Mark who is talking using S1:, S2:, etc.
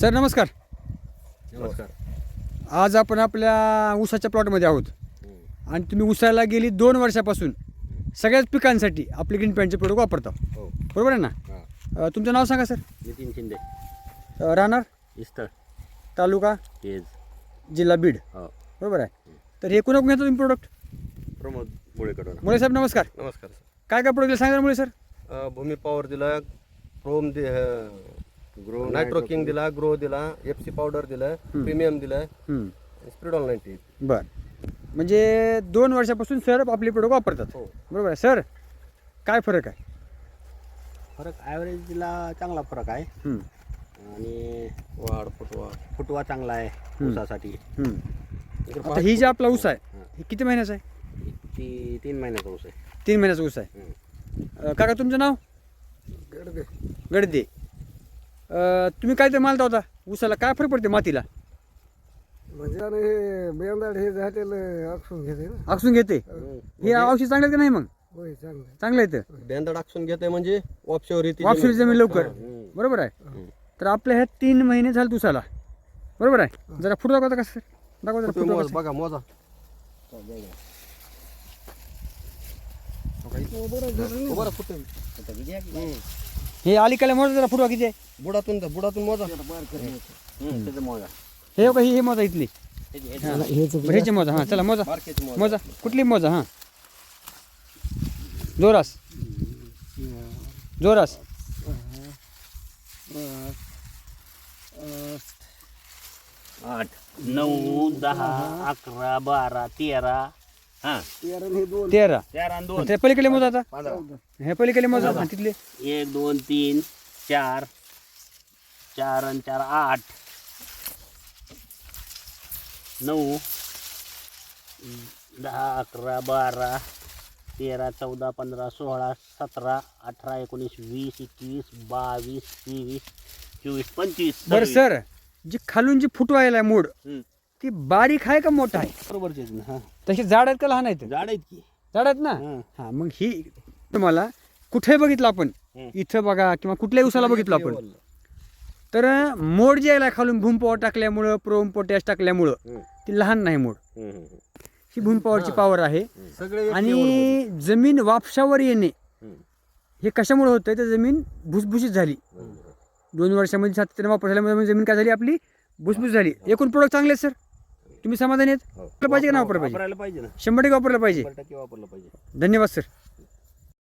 S1: Sir नमस्कार.
S2: नमस्कार.
S1: आज आपण आपल्या ऊसाच्या प्लॉटमध्ये आहोत आणि तुम्ही ऊसाला गेली 2 वर्षापासून सगळ्याच पिकांसाठी आपले ग्रीन पॅन्टचे प्रोडक्ट वापरता.
S2: हो.
S1: बरोबर आहे ना?
S2: हां.
S1: तुमचं नाव सांगा सर.
S2: नितीन शिंदे.
S1: राहणार
S2: इस्तर.
S1: तालुका
S2: तेज.
S1: जिल्हा बीड.
S2: हो.
S1: बरोबर आहे. तर हे कोणा घेता तुम्ही प्रोडक्ट?
S2: प्रमोद मुळेकडून.
S1: मुळे साहेब नमस्कार.
S2: नमस्कार सर.
S1: काय काय प्रोडक्ट सांगा मुळे सर.
S2: भूमी पॉवर दिला, क्रोम ग्रो नायट्रो किंग दिला, ग्रो दिला, एफसी पावडर दिलं, प्रीमियम दिलं, स्पिरिडॉल 90.
S1: बर, म्हणजे 2 वर्षापासून सर आपले प्रोडक्ट वापरतात.
S2: हो.
S1: बरोबर आहे सर. काय फरक आहे?
S3: फरक ॲव्हरेजला चांगला फरक आहे
S1: हं,
S3: आणि वाढ फुटवा चांगला आहे ऊसासाठी.
S1: हं. आता ही जी आपला ऊस आहे ही किती महिन्याचा आहे?
S3: ती 3 महिन्याचा ऊस आहे.
S1: 3 महिन्याचा ऊस आहे. काका तुमचं नाव? गडदे. तुम्ही काय ते मालता होता ऊसाला, काय फरक पडते मातीला?
S4: म्हणजे आता हे बेंदाड हे झालेलं आखून घेते ना.
S1: आखसून घेते. हे औषध चांगलं का नाही मग?
S4: होय चांगलं.
S1: चांगलं आहे. तर
S2: बेंदा आखून घेते म्हणजे वापशावर येते.
S1: वापशी जमीन लवकर. बरोबर आहे. तर आपल्या ह्या 3 महिने झाले ऊसाला. बरोबर आहे. जरा फुट दाखवता का सर? दाखवा जरा फुट दाखवा.
S2: बघा मोजा. बरं फुटे.
S1: हे अलीकडे मोजा जरा फुटवा किती आहे?
S2: बुडातून मोजा.
S3: त्याचं मोजा.
S1: हे बघा ही मोजा इथली. ह्याची मोजा. हां चला मोजा.
S2: मार्केटची मोजा.
S1: मोजा कुठली मोजा? हां जोरास जोरास.
S3: 8 9 10 11 12 13. हां
S1: 13.
S3: 13 आणि 2.
S1: त्या पलीकडे मोजा आता.
S3: 15.
S1: हे पलीकडे मोजा. हां तिथले
S3: 1 2 3 4 4 आणि 4 8 9 10 11 12 13 14 15 16 17 18 19 20 21 22 23 24 25.
S1: बरं सर, जी खालून जी फुटवायला आहे मोड
S3: हं.
S1: ती बारीक आहे का मोठा आहे?
S3: बरोबरच आहे ना. हां
S1: तशी जाड आहेत का लहान आहेत?
S3: झाड आहेत की.
S1: जाड आहेत ना.
S3: हं.
S1: हां मग ही तुम्हाला कुठे बघितलं आपण,
S3: हं.
S1: इथं बघा किंवा कुठल्याही उसाला बघितलं आपण, तर मोड जे आहे खालून भूम पॉवर टाकल्यामुळं, प्रोम पोटॅश टाकल्यामुळं ती लहान नाही मोड. ही भूम पॉवरची पॉवर आहे.
S2: सगळे
S1: आणि जमीन वापशावर येणे हे कशामुळे होतं? तर जमीन भुसभुशीत झाली. 2 वर्षामध्ये सातत्याने वापर झाल्यामुळे जमीन काय झाली आपली? भुसभुशीत झाली. एकूण प्रोडक्ट चांगले आहेत सर. तुम्ही समाधानी आहेत? वापरलं पाहिजे का नाही वापरलं पाहिजे?
S3: वापरायला पाहिजे ना.
S1: 100% वापरलं पाहिजे.
S3: 100% वापरलं पाहिजे.
S1: धन्यवाद सर.